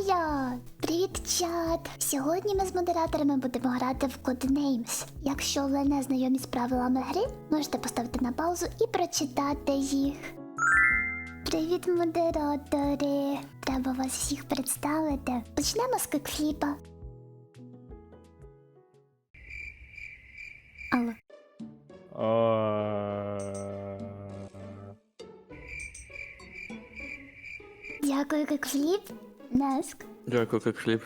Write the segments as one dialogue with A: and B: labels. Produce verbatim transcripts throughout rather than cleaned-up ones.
A: я! Привіт, чат! Сьогодні ми з модераторами будемо грати в Codenames. Якщо ви не знайомі з правилами гри, можете поставити на паузу і прочитати їх. Привіт, модератори! Треба вас всіх представити. Почнемо з кикфліпа. Алло. Дякую, кикфліп. Наск.
B: Дякую, як хліб.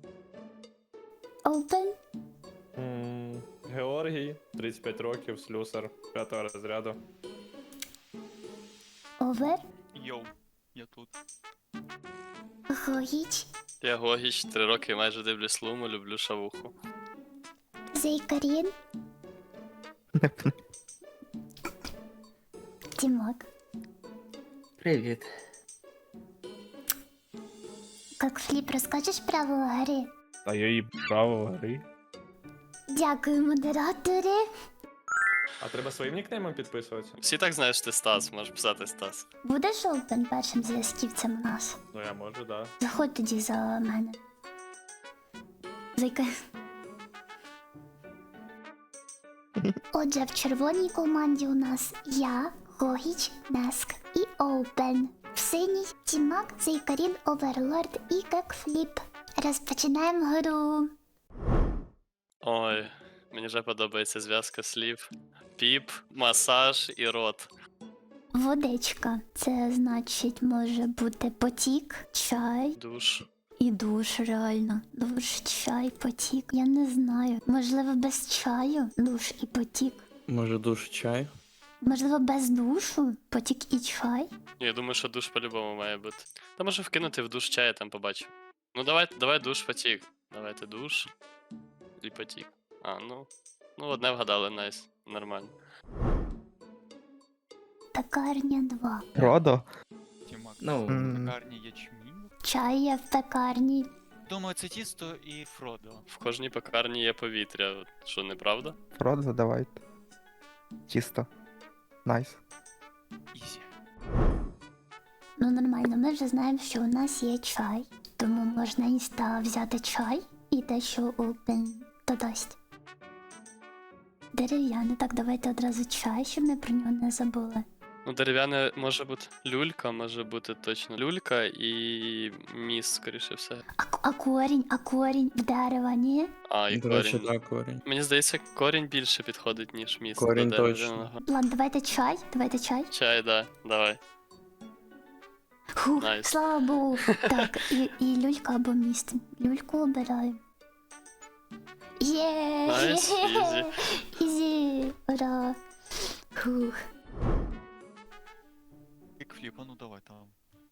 A: Open.
C: М, Георгій, тридцять п'ять років, слюсар, п'ятого розряду.
A: Over.
D: Йоу, я тут.
A: Гогіч.
B: Я Гогіч, три роки майже дивлюсь Луму, люблю шавуху.
A: Зейкарін. Тімок.
E: Привіт.
A: Кикфліп, розкажеш правила гри?
C: А я її право гри.
A: Дякую, модератори.
C: А треба своїм нікнеймом підписуватися?
B: Всі так знають, що ти Стас, можеш писати Стас.
A: Будеш Open першим зв'язківцем у нас?
C: Ну я можу, да.
A: Заходь тоді за мене. Зайка. Отже, в червоній команді у нас я, Гогіч, Наск і Open. В синій Тімак, Зейкарін, Оверлорд і Кикфліп. Розпочинаємо гру.
B: Ой, мені вже подобається зв'язка слів. Піп, масаж і рот.
A: Водичка. Це значить може бути потік, чай
B: Душ.
A: і душ, реально. Душ, чай, потік. Я не знаю. Можливо, без чаю, душ і потік.
B: Може душ чай?
A: Можливо, без душу, потік і чай.
B: Я думаю, що душ по-любому має бути. Та може вкинути в душ чай, я там побачу. Ну давай, давай душ потік. Давайте душ і потік. А, ну. Ну, одне вгадали, найс. Нормально.
A: Пекарня два.
E: Родо?
D: Тімак,
E: Ну,
D: в
E: м.
D: пекарні ячмінь.
A: Чай є в пекарні.
D: Думаю, це тісто і Фродо.
B: В кожній пекарні є повітря. Що, неправда?
E: Родо, давайте. Чисто. Найс.
D: Ізі.
A: Ну нормально, ми вже знаємо, що у нас є чай. Тому можна інста взяти чай і те, що Open додасть. Дерев'яне, так давайте одразу чай, щоб ми про нього не забули.
B: Ну, дерев'яне може бути люлька, може бути точно люлька і міст, скоріше все.
A: А, а корінь, а корінь в дерева, ні?
B: А, і
F: До речі,
B: корінь.
F: так, корінь.
B: Мені здається, корінь більше підходить, ніж міст.
F: Корінь
B: до
F: точно.
B: дерев'яного.
A: Ладно, давайте чай, давайте чай.
B: Чай, да, давай.
A: Фух,
B: Найс.
A: слава Богу. Так, і, і люлька або міст. Люльку обираю. Є!
B: Найс, ізі.
A: Ізі! Ура! Фух.
D: Кікфліп, а ну давай там.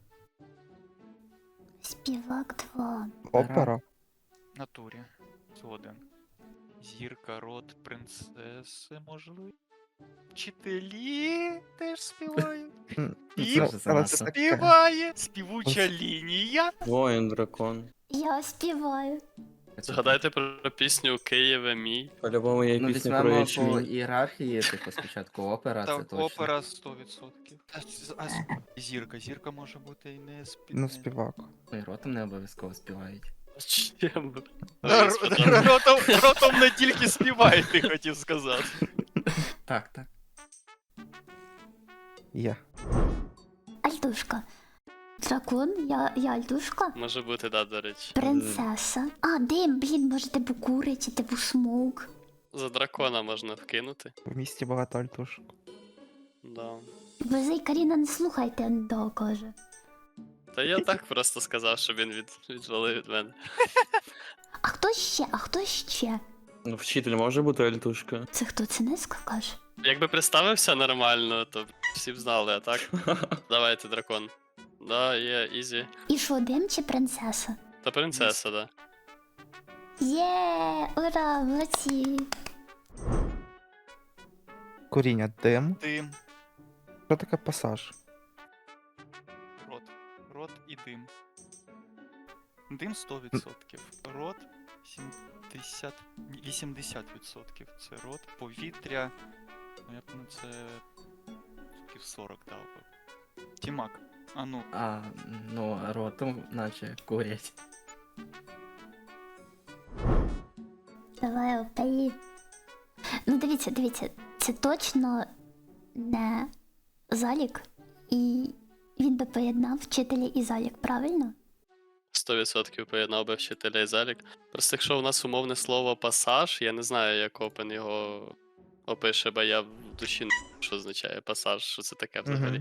A: Співак два.
E: Опера?
D: Натурі. Згоден. Зірка, рот, принцеси, можливо. Вчителі теж співають.
E: М,
D: Піп
E: це- але це таке.
D: співає. Співуча лінія.
F: Воїн, дракон.
A: Я співаю.
B: Згадайте про пісню Києве мій.
F: По-любому є
G: Ну,
F: пісня про
G: візьмемо по
F: ячмінь.
G: ієрархії, типу, спочатку опера, це
D: Так,
G: точно.
D: опера сто відсотків. А, з- а з- зірка, зірка може бути і не спів...
E: Ну, співак.
G: Ну, і ротом не обов'язково співають.
B: Чим?
D: Р- р- Ротом, ротом не тільки співає, ти хотів сказати.
G: Так, так.
E: Є.
A: Альтушка. Дракон, я, я Альтушка.
B: Може бути, да, до речі.
A: Принцеса. А, дим, блін, може типу куриця, типу смоук.
B: За дракона можна вкинути.
E: В місті багато альтушок.
B: Да.
A: Ви Зейкаріна не слухайте, да, каже.
B: Та я так просто сказав, щоб він від... відвалив від мене.
A: А хто ще? А хто ще?
F: Ну, вчитель може бути альтушка.
A: Це хто, це Неска каже?
B: Якби представився нормально, то б всі б знали, а так? Давайте, дракон. Да, є, ізі.
A: І що, дим чи принцеса?
B: Та принцеса, да.
A: Є, ура, молодці.
E: Коріння дим.
D: Дим,
E: Що таке пасаж?
D: рот. Рот і дим. Дим сто відсотків. Рот сімдесят... ні, вісімдесят відсотків. Це рот. Повітря. Ну я б на це... сорок дав би. Тімак. А ну,
G: А, ну, ротом наче курять.
A: Давай опей. Ну дивіться, дивіться, це точно не залік, і він би поєднав вчителя і залік, правильно?
B: сто відсотків поєднав би вчителя і залік. Просто якщо у нас умовне слово пасаж, я не знаю, як Опен його опише, бо я в душі не знаю, що означає пасаж, що це таке взагалі.
E: Мгм.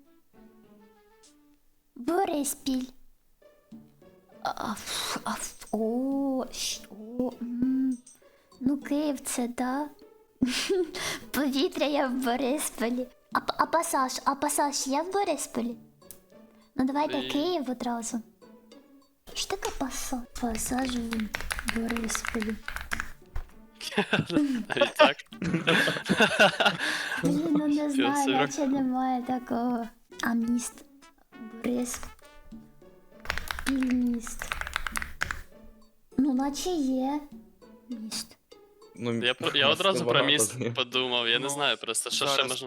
A: Бориспіль. А, ф- а, ф- О, що? м. Ну, Київ це, да? Повітря є в Борисполі. А, п- а пасаж, а пасаж є в Борисполі? Ну давайте
B: І-
A: Київ одразу. Що таке пасаж? Пасаж в Борисполі.
B: Навіть так.
A: Блін, ну не знаю,
B: собі.
A: наче немає такого. А міст. Борис. Міст. Ну, наче є. Міст.
F: Ну,
B: Я, про- я одразу про
F: багато
B: міст
F: знаю.
B: подумав, я не
D: Ну,
B: знаю просто, що ще
D: зараз-
B: можна.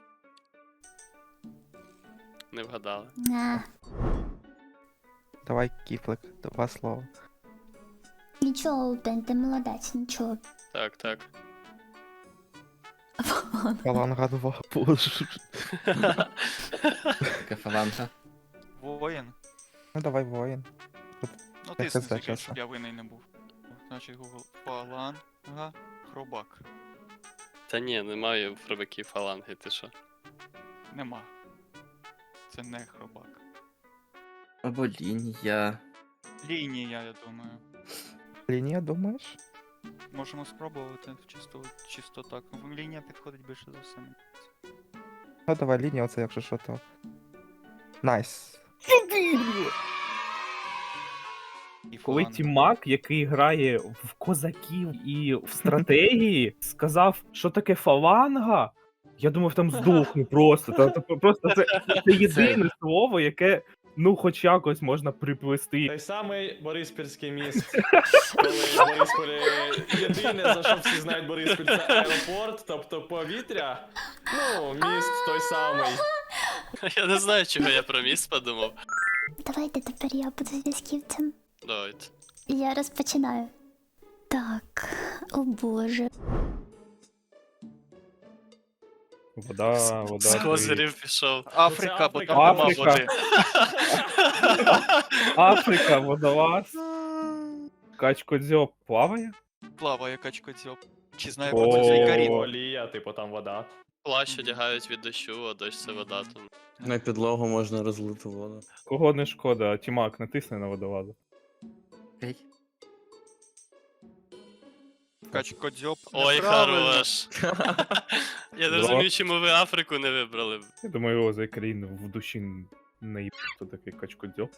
B: Не вгадали.
A: Не.
E: Давай кіфлик, два слова.
A: Нічого, Ден, ти молодець, нічого.
B: Так, так.
E: Фаланга два, боже.
G: Така фаланга.
D: воїн.
E: Ну давай воїн.
D: Ну
E: Я
D: ти
E: це
D: скажи,
E: чесно.
D: щоб я винний не був. Значить, Google фаланга, хробак.
B: Та ні, немає в хробаків фаланги, ти що?
D: Нема. Це не хробак.
G: Або лінія.
D: Лінія, я думаю.
E: Лінія, думаєш?
D: Можемо спробувати чисто, чисто так. Ну, лінія підходить більше за все.
E: Ну давай лінія, оце якщо що то. Найс.
D: І
H: Коли
D: фаланга.
H: Тімак, який грає в козаків і в стратегії, сказав, що таке фаланга, я думав, там здохну просто. Та, та, просто це, це єдине слово, яке, ну, хоч якось можна приплести.
C: Той самий Бориспільський міст. Коли в Борисполі єдине, за що всі знають Бориспіль, це аеропорт, тобто повітря. Ну, міст той самий.
B: Я не знаю, чого я про міст подумав.
A: Давайте тепер я буду зв'язківцем.
B: Давайте.
A: Я розпочинаю. Так, о боже.
H: Вода, вода.
B: З
H: ти-
B: козирів пішов.
D: Африка, бо
C: Африка.
D: там нема
H: Африка.
D: води.
H: Африка, водолаз. Качкодзьоб плаває?
D: Плаває качкодзьоб. Чи знає
H: О.
D: про цей каріт?
C: Олія, типу там вода.
B: Плащ одягають від дощу, а дощ це вода. Там.
F: На підлогу можна розлити воду.
H: Кого не шкода, Тімак, натисни на водолаза.
G: Окей.
D: Качкодзьоб.
B: Ой,
D: неправильно.
B: хорош. Я не
H: Да.
B: розумію, чому ви Африку не вибрали.
H: Я думаю, його за країн в душі не є, хто такий качкодзьоб.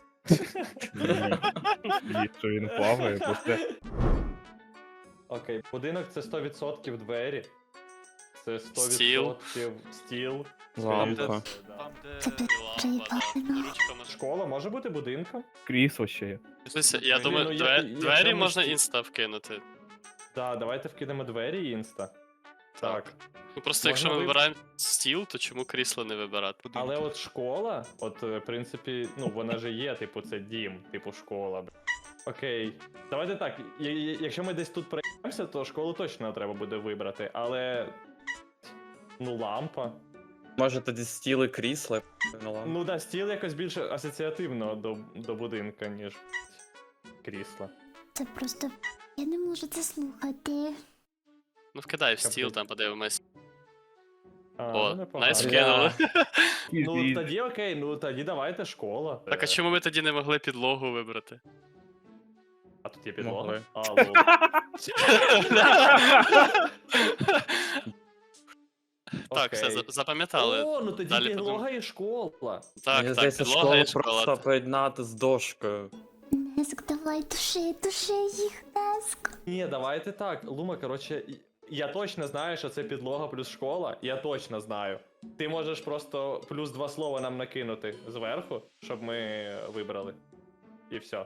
H: І що він плаває, бо це
C: Окей, будинок це сто відсотків двері. Це сто
B: Стіл.
C: відсотків стіл.
F: Лампа.
D: Там, де...
A: Це пи-
B: І лампа, да.
A: приїбано.
B: Ручка може.
C: Школа може бути будинком?
H: крісло ще є.
B: Слухайте, Я
D: Ні,
B: думаю,
C: ну, я-
B: две-
C: я-
B: двері
C: я
B: можна
C: мислю-
B: інста вкинути.
C: Так, давайте вкинемо двері і інста. Так.
B: Ну просто
C: Можна
B: якщо ми
C: ви-
B: вибираємо стіл, то чому крісло не вибирати?
D: будинки.
C: Але от школа, от е, в принципі, ну вона же є, типу, це дім, типу школа. б. Окей. Давайте так. я- я- Якщо ми десь тут проїмося, то школу точно треба буде вибрати, але. Ну, лампа.
F: Може тоді стіли крісла на лампу.
C: Ну да, стіл якось більше асоціативно до, до будинка, ніж крісла.
A: Це просто. Я не можу це слухати.
B: Ну вкидай в
C: Капець.
B: стіл, там подивимось.
C: А,
B: О,
C: ну, непогано.
B: найс вкинули.
C: Ну
H: І-
C: тоді окей, ну тоді давайте школа.
B: Так а
C: Е,
B: чому ми тоді не могли підлогу вибрати?
C: А тут є підлога.
F: Могли.
C: А, лол.
B: Так, все,
C: Окей.
B: за- запам'ятали.
C: О, ну тоді
B: Далі
C: підлога і школа.
B: Так,
F: Мені
B: так,
F: здається,
B: підлога
F: школу
B: і школа.
F: просто поєднати з дошкою.
A: Неск, давай, души, души їх, Неск.
C: Ні, давайте так. Лума, коротше, і- я точно знаю, що це підлога плюс школа. Я точно знаю. Ти можеш просто плюс два слова нам накинути зверху, щоб ми вибрали. І все.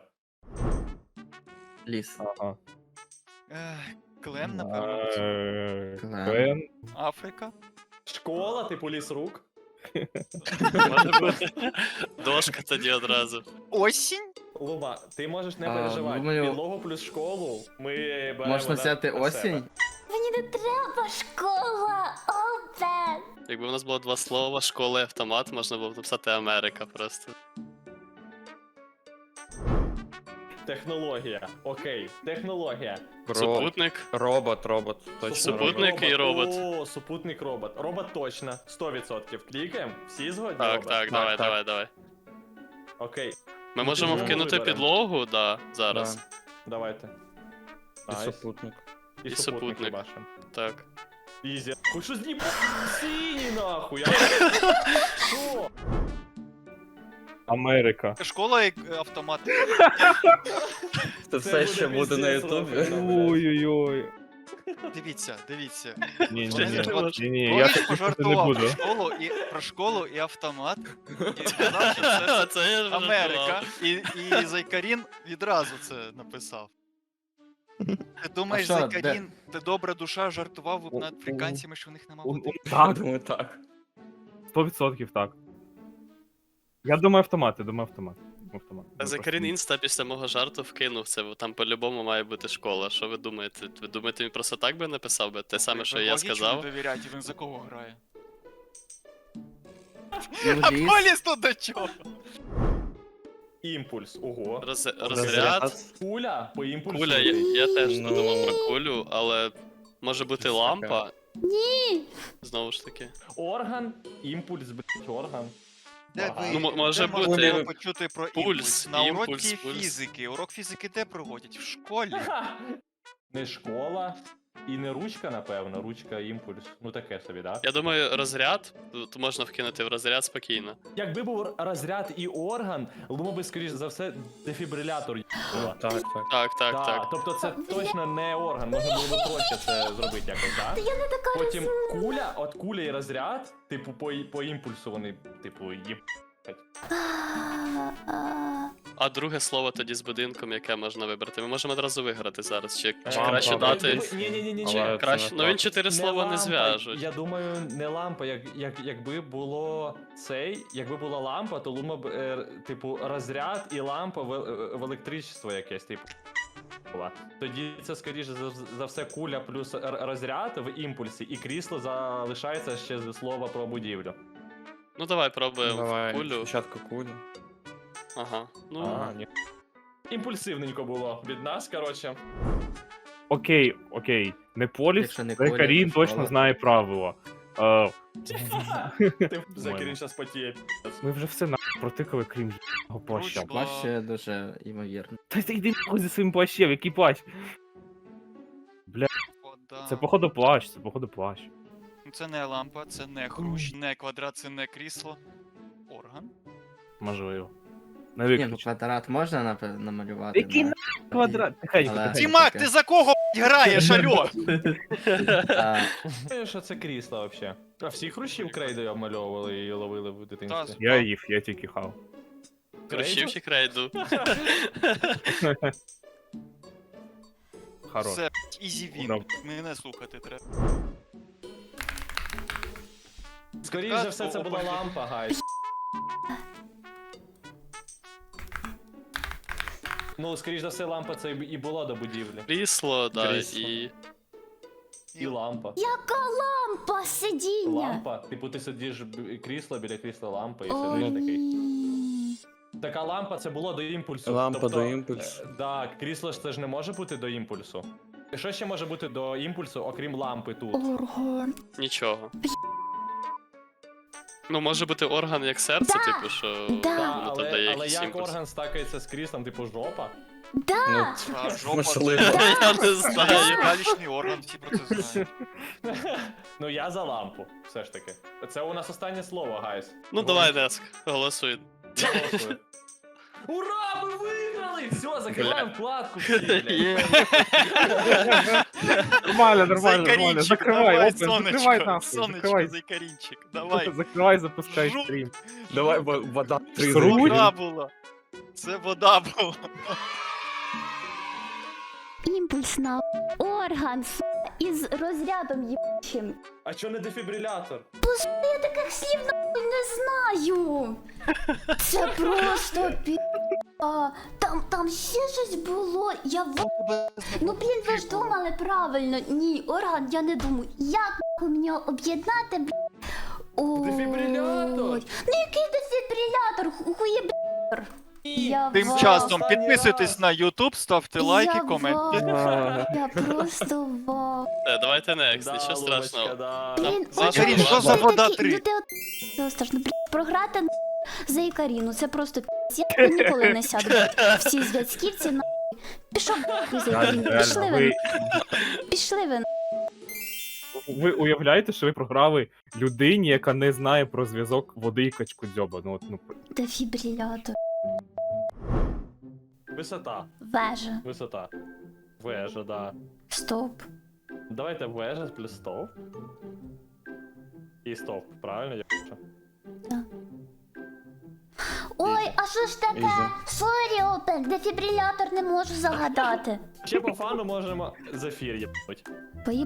G: Ліс.
H: Ага.
D: Ех, Клен, напевно.
H: Е,
G: Клен.
H: Клен.
D: Африка.
C: Школа, типу ліс рук.
B: Може бути. Дошка тоді одразу.
D: Осінь?
C: Лума, ти можеш не
G: А,
C: переживати.
G: думаю-
C: Підлогу плюс школу ми беремо.
G: Можна
C: на-
G: взяти
C: на себе.
G: осінь?
A: Мені не треба школа, Овен.
B: Якби у нас було два слова, школа і автомат, можна було б написати Америка просто.
C: Технологія. Окей, технологія.
F: Ро...
B: Супутник.
F: Робот, робот. Точно.
B: Супутник і робот.
C: О, супутник робот. Робот точно. сто відсотків. Клікаємо. Всі згодні?
B: Так,
C: робот?
B: так, давай,
F: так.
B: давай, давай.
C: Окей,
B: Ми можемо
C: підлогу
B: вкинути
C: виберемо.
B: підлогу, да, зараз.
F: Да.
C: давайте.
F: І
C: Найс.
F: супутник.
C: І,
B: І
C: супутник
B: супутник.
C: бачимо.
B: Так.
C: Ізі. Хоч що знімати сині нахуй. Я... Що?
H: Америка.
D: Школа і е, автомат.
F: Це все ще буде на
C: пиздець,
F: ютубі.
C: Робин.
H: Ой-ой-ой.
D: Дивіться, дивіться.
H: Ні, ні,
B: Ще
H: ні.
B: не можна.
H: Ні, ні, я
D: Колись
H: так не
D: пожартував
H: буду.
D: про школу і про школу і автомат. І сказав, що це
B: Це я вже
D: Америка. І, і Зайкарін відразу це написав. Ти думаєш,
G: А що,
D: Зайкарін, ти добра душа, жартував
F: У-
D: над африканцями, що в них нема
H: У-
D: води?
H: у- Так,
F: Думаю, так.
H: сто відсотків так. Я думаю автомат, я думаю автомат. Автомат.
B: А Закарін Інста після мого жарту вкинув це, бо там по-любому має бути школа. Що ви думаєте? Ви думаєте, він просто так би написав би? Те саме, що
D: Ви
B: я
D: логічно
B: сказав?
D: довіряти, він за кого грає?
G: Ну,
D: А
G: ліс.
D: поліс тут до чого?
C: Імпульс. Ого.
B: Роз...
F: Розряд.
B: Розряд.
C: Куля по імпульсу.
B: Куля, я, я теж
F: Ну.
B: подумав про кулю, але може бути
F: Щось
B: лампа.
A: Ні.
B: Знову ж таки.
C: Орган, імпульс, блять, орган.
D: Де
C: Ага.
D: ви,
B: Ну, м- може
D: де
B: бути
D: можна було почути про
B: пульс,
D: імпульс? На
B: імпульс,
D: уроці
B: пульс.
D: фізики. Урок фізики де проводять? В школі.
C: Не школа і не ручка, напевно. Ручка, імпульс. Ну таке собі, да?
B: Я думаю, розряд, то можна вкинути в розряд спокійно.
C: Якби був розряд і орган, Лума би, скоріш за все, дефібрилятор їбала.
F: Так, так.
B: Так, так,
C: Да,
B: так.
C: Тобто це точно не орган, можна було би проще це зробити якось, так?
A: Та я не така
C: Потім
A: розумна.
C: куля, от куля і розряд, типу, по, по імпульсу вони, типу, їб.
A: А, а.
B: А друге слово тоді з будинком, яке можна вибрати. Ми можемо одразу виграти зараз. Чи, чи
F: Лампа,
B: краще
F: лампа.
B: дати.
C: Ні, ні, ні, ні,
B: Чи
F: Але це
B: краще.
F: не
B: Ну він
F: так.
B: чотири слова не зв'яжуть.
C: Я думаю, не лампа, як, як, якби було цей, якби була лампа, то Лума б, е, типу, розряд і лампа в, е, в електричество якесь, типу. була. Тоді це, скоріше за, за все, куля плюс р- розряд в імпульсі, і крісло залишається ще з слова про будівлю.
B: Ну давай пробуємо
F: Давай,
B: кулю.
F: спочатку кулю.
B: Ага. Ну,
C: А, ні. Імпульсивненько було від нас, коротше.
H: Окей, окей. Не поліс,
G: Якщо не Коля,
H: Закарін
G: то
H: точно
G: школа.
H: знає правила. Е,
C: Ти Закирин зараз потіє.
H: ми вже все на протикали, крім його плаща.
D: Ручка.
G: Плащ ще дуже ймовірно.
H: Та ти йди нахуй зі своїм плащем, який плащ?
D: Вода.
H: Це походу плащ, це походу плащ.
D: Ну, це не лампа, це не хрущ, не квадрат, це не крісло. Орган.
H: Можливо. Не
G: Ні, ну
H: виключно.
G: квадрат можна напе- намалювати.
H: Який
G: да.
H: на квадрат? Тихенько,
G: Але-
H: тихенько.
D: Тімак, ти за кого б***ь, граєш, альо?
G: А,
C: Е, Що це крісло взагалі? А всі хрущів крейдою обмальовували і ловили в дитинстві?
H: Я їв, я тільки хав.
B: Хрущів чи крейду?
H: Хорош.
D: Все, ізі він.
H: Добре.
D: Мене слухати треба.
C: Скоріше за все, це була лампа, гайс. Ну, скоріш за все, лампа це і була до будівлі.
B: Крісло, да,
F: Крісло.
B: і.
C: І лампа.
A: Яка лампа сидіння?
C: Лампа. Типу, ти сидиш б- крісло біля крісла лампа і
A: О,
C: сидиш такий.
A: ні.
C: Така лампа це було до імпульсу.
F: Лампа
C: тобто,
F: до імпульсу.
C: е, Так, крісло ж це ж не може бути до імпульсу. Що ще може бути до імпульсу, окрім лампи тут?
A: Орган.
B: Нічого. Ну, може бути орган як серце,
A: Да,
B: типу, що
A: да.
C: Да,
B: воно там
C: але,
B: дає
C: але
B: якийсь
C: як
B: імпульс.
C: орган стакається з кріслом, типу жопа?
A: Да.
F: Ну,
D: А жопа
F: можливо.
D: це
B: Я не знаю.
D: галічний орган, всі про це знають.
C: Ну я за лампу, все ж таки. Це у нас останнє слово, гайс.
B: Ну давай, Деск, голосуй.
C: Я голосую. Ура, ми виграли! Все, закриваємо вкладку. всі, блядь.
B: Є.
H: Нормально, нормально, нормально.
D: Зайкарінчик,
H: Закривай,
D: давай,
H: опен, закривай
D: сонечко,
H: нахуй.
D: сонечко,
H: Закривай,
D: зайкарінчик, давай.
H: закривай, запускай
D: Жук.
H: стрім.
F: Давай, во- вода. три
H: Сруть?
F: закинь.
D: Вода була. Це вода була.
A: Імпульсна. Орган, с**, із розрядом їбучим.
C: А чо не дефібрилятор?
A: Я таких слів нахуй не знаю. Це просто пі... А, там, там ще щось було. Я в... Ну, блін, ви ж думали правильно. Ні, орган, я не думаю. Як нахуй мені об'єднати, блін? Ой.
C: Дефібрилятор!
A: Ну, який дефібрилятор? Хуєбр. Я
D: Тим
A: ва-
D: часом
C: Останній
D: підписуйтесь
C: раз.
D: на YouTube, ставте лайки,
A: Я
D: коменти.
A: ва- Я просто ва...
B: Е, давайте next,
C: Да,
B: нічого
C: Лубочка,
B: страшного.
C: да.
A: Блін,
B: Саша,
A: от
B: що
A: ви
D: за вода
A: такі-
D: три?
A: Ну ти от... Це страшно, блін, програти на за Ікаріну, це просто пі***ць. Я ніколи не сяду. блін. Всі зв'язківці на пішов нахуй за Ікаріну. Пішли
H: Реально,
A: ви,
H: ви,
A: на- пішли ви. на-
H: ви уявляєте, що ви програли людині, яка не знає про зв'язок води і качкудзьоба. Ну, от, ну,
A: Дефібрилятор.
C: Висота.
A: Вежа.
C: Висота. Вежа, да.
A: Стоп.
C: Давайте вежа плюс стовп. І стовп, правильно? Я пишу?
A: Ой, а що ж таке?
F: Ізі.
A: Сорі, Опен, дефібрилятор не можу загадати.
C: Ще по фану можемо зефір єбнуть.
A: Поїб...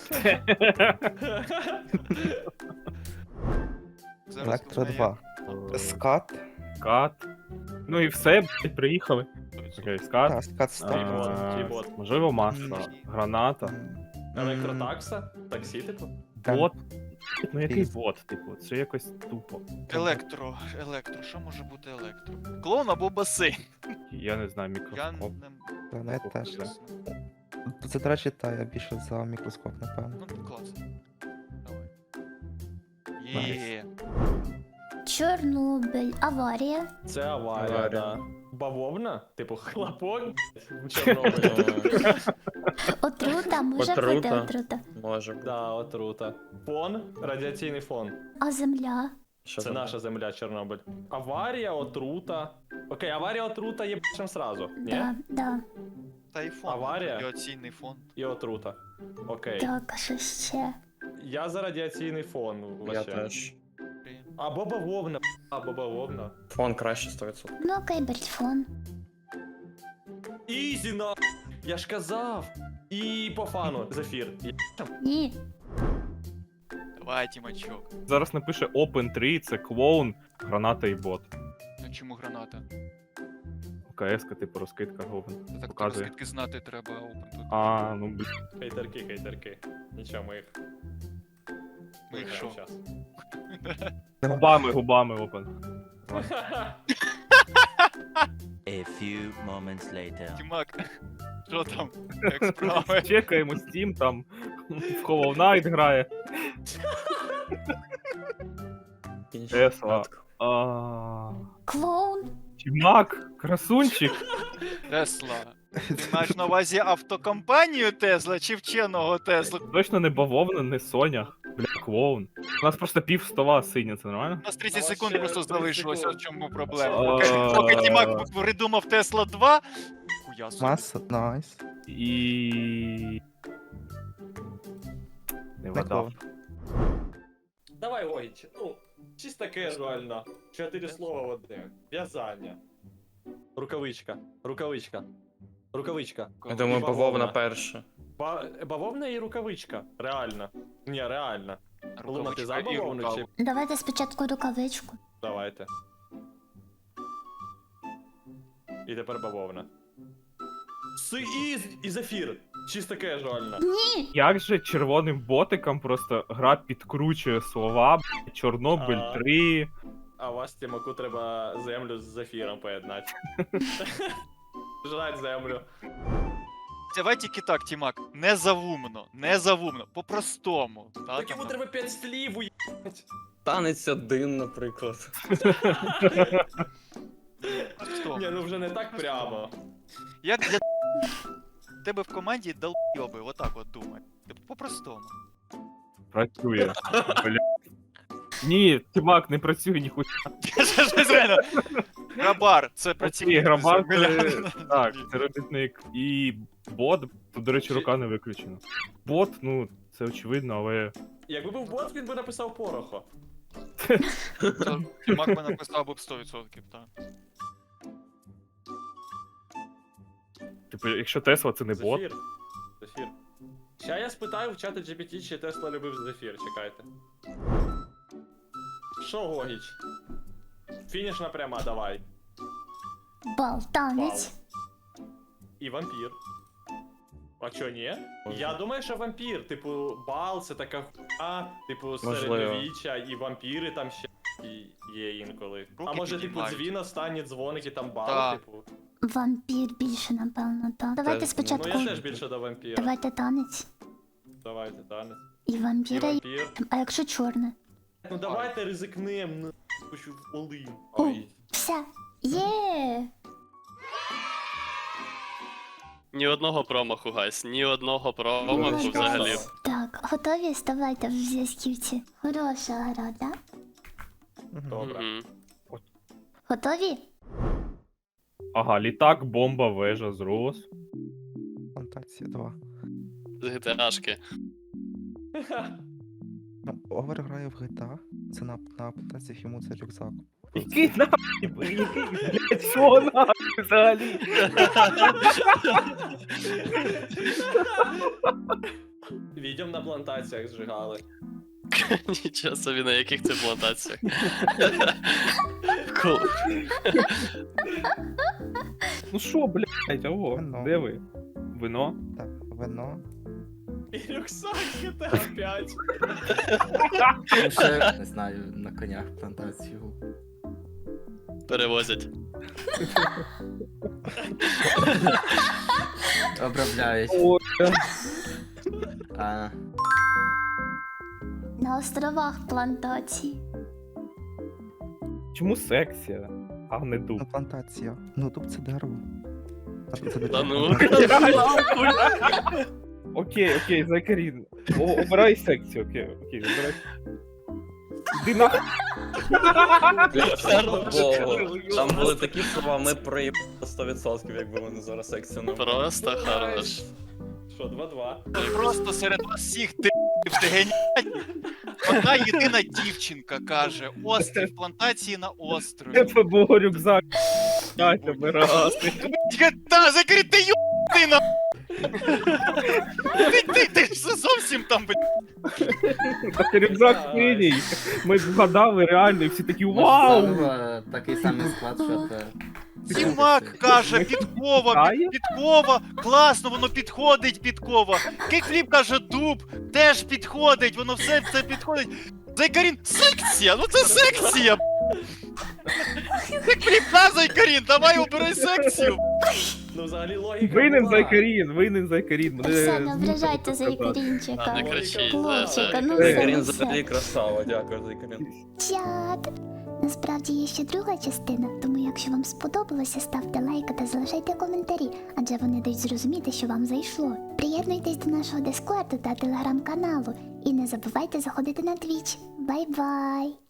D: Зараз
E: Електро
D: узнаю.
E: два. Скат.
H: скат. Ну і все, блядь, приїхали. Окей, скат.
E: Так, скат став.
C: Тібот,
H: А,
C: тібот.
H: Можливо, маса, граната,
C: Електротакса? Таксі, типу?
H: бот. Ну який
E: Піз.
H: бот, типу, це якось тупо.
D: Електро, електро, що може бути електро? Клоун або басейн?
H: Я не знаю,
D: Я
H: мікроскоп.
D: не...
E: Планет теж.
D: Ясно.
E: Це, до речі, та я більше за мікроскоп, напевно.
D: Ну, клас. Давай.
E: Найс.
D: Є.
A: Чорнобиль, аварія.
C: Це аварія,
F: Аварія.
C: да. Бавовна? Типу хлопок в Чорнобилі.
A: Отрута, може бути
F: Отрута.
A: отрута.
F: Може бути.
C: Да, отрута. Фон, радіаційний фон.
A: А земля?
F: Що
C: Це
F: там?
C: наша земля, Чорнобиль. Аварія, отрута. Окей, аварія, отрута є б***ем сразу. Ні?
A: Да, да.
D: Та й фон.
C: Аварія?
D: Радіаційний фон.
C: І отрута. Окей.
A: Так, а що ще?
C: Я за радіаційний фон.
F: Я
C: вообще.
F: теж.
C: Або бавовна, або бавовна.
F: Фон краще сто відсотків.
A: Ну окей, бельфон.
C: Ізі на. Я ж казав. І по фану, зефір.
A: Ні.
D: Давай, Тімачок.
H: Зараз напише Open три, це клоун, граната і бот.
D: А чому граната?
H: КС-ка, типу, розкидка говен.
D: Та так
H: Показує.
D: розкидки знати треба опен тут.
H: А, ну блін.
C: Хейтерки, хейтерки. Нічого, ми їх.
D: Ми їх що?
C: щас.
H: Губами, губами Open.
I: A few moments later.
D: Тімак, що там? Як справи?
H: Чекаємо Steam, там в Hollow Knight грає. Тесла. А,
A: Клоун.
H: Чимак, красунчик.
D: Тесла. Ти маєш на увазі автокомпанію Тесла чи вченого Тесла?
H: Точно не бавовна, не Соня. Бля, клоун. У нас просто пів стола синя, це нормально?
D: У нас тридцять
C: А
D: секунд
C: ще
D: просто
C: тридцять
D: залишилося,
C: секунд.
D: в чому проблема.
H: А.
D: Поки, поки Тімак придумав Тесла два. Хуя собі.
E: Маса, найс.
H: І... Не
E: Не
H: вгадав.
E: клоун.
C: Давай, Огіч, ну, чисто кежуально. Чотири слова в одне. В'язання. Рукавичка. Рукавичка. Рукавичка.
F: Я думаю,
C: Бавовна.
F: бавовна перша.
C: Ба- бавовна і рукавичка. Реально. Ні, реально. Луна, ти за
D: Рукавичка і
C: бавовну чи...
D: рукав.
A: Давайте спочатку рукавичку.
C: Давайте. І тепер бавовна. Си і, і зефір. Чисто кежуально.
A: Ні.
H: Як же червоним ботиком просто гра підкручує слова, б***ь, Чорнобиль
C: А.
H: три.
C: А вас, Тімаку, треба землю з зефіром поєднати. Жрать землю.
D: Давай тільки так, Тімак. Не завумно, не завумно, по-простому. Та,
C: Так йому
D: там,
C: треба п'ять слів уїбать.
F: Танець один, наприклад.
D: по-простому.
C: Ні, ну вже не так прямо.
D: Як для тебе в команді долбйоби, отак от думай. Типу, по-простому.
H: Працює. Бля. Ні, Тімак, не працює ніхуя.
D: Щось реально. Грабар, це
H: Ні,
D: працівник.
H: грабар
D: земля.
H: це... Так, це робітник. І бот, тут, до речі, рука не виключена. Бот, ну, це очевидно, але...
C: Якби був бот, він би написав порохо.
D: Це Тімак би написав би б сто відсотків, так.
H: Типу, якщо Тесла це не бот,
C: Зефір. Зефір. Ща я спитаю в чаті джі пі ті, чи Тесла любив зефір, чекайте. Що, Гогіч? Фінішна пряма, давай.
A: Бал, танець.
C: І вампір. А чо, ні? Я думаю, що вампір, типу, бал це така хуйня, типу,
F: Можливо.
C: середньовіччя, і вампіри там ще і- є інколи. А
D: Руки
C: може, типу,
D: піднімають.
C: дзвін останні дзвоник і там бал,
D: Так.
C: типу.
A: Вампір більше, напевно, так. Давайте
F: ну,
A: спочатку.
C: Ну я теж більше до вампіра.
A: Давайте танець.
C: Давайте, танець.
A: І
C: І
A: вампіра. і-
C: вампір.
A: А якщо чорне?
C: Ну давайте ризикнем, ну, хочу в Олин.
A: О.
C: Ой.
A: Все. Є!
B: Ні одного промаху, гайс, ні одного промаху
A: Молодець.
B: взагалі.
A: Так, готові? Ставайте в зв'язківці. Хороша гра, так?
E: Мгм.
C: Добре.
B: Мгм.
A: Готові?
H: Ага, літак, бомба, вежа, зрос.
E: Фантазія два.
B: З ГТАшки.
E: Ну, Овер грає в джі ті ей, це на, на аплікаціях йому це рюкзак.
H: Який нахуй, який, блядь, що нахуй взагалі?
C: Відьом на плантаціях зжигали.
B: Нічого собі, на яких це плантаціях. Кул.
H: Ну що, блядь, алло,
E: Вино.
H: де ви? Вино?
E: Так, вино.
C: І рюкзак джі ті ей п'ять.
G: Ну, ще, не знаю, на конях плантацію.
B: Перевозять.
G: Обробляють.
H: О,
G: А,
A: На островах плантації.
H: чому секція, а не дуб?
E: Ну, плантація. Ну, тут це дерево. А тут це
B: Та
E: дерево.
B: ну.
H: Окей, окей, Закарін. О, обирай секцію, окей, окей, обирай. Іди нахуй.
F: Богу. Там були такі слова, ми проїбали сто відсотків, якби вони зараз секцію не
B: Просто хорош.
C: Що, два-два?
D: Просто серед вас всіх ти ти геніальні. Одна єдина дівчинка каже: острів плантації на острові.
H: Це був рюкзак. Дайте, обирай.
D: Та, закрий, ти ю... ти на... Ти, ти, ти ж зовсім там, блядь.
H: Так рюкзак синій. Ми вгадали реально, і всі такі вау!
G: можливо, такий самий склад, що це.
D: Сімак каже, підкова,
H: Знає?
D: під, підкова, класно, воно підходить, підкова. Кикфліп каже, дуб, теж підходить, воно все це підходить. Зайкарін, секція, ну це секція. Кикфліп, на, Зайкарін, давай обирай секцію.
C: Ну, взагалі логіка
H: Винен
C: була.
H: Зайкарін, винен Зайкарін. Мене
A: Все, не
H: змусили
A: ображайте
H: це сказати.
B: А,
A: Зайкарінчика.
B: не кричіть,
A: Хлопчика,
B: да,
A: ну
B: да.
A: все,
F: Карін
A: ну
F: взагалі
A: все.
F: красава, дякую за Карін.
A: Чат! Насправді є ще друга частина, тому якщо вам сподобалося, ставте лайк та залишайте коментарі, адже вони дають зрозуміти, що вам зайшло. Приєднуйтесь до нашого дискорду та телеграм-каналу і не забувайте заходити на твіч. Бай-бай!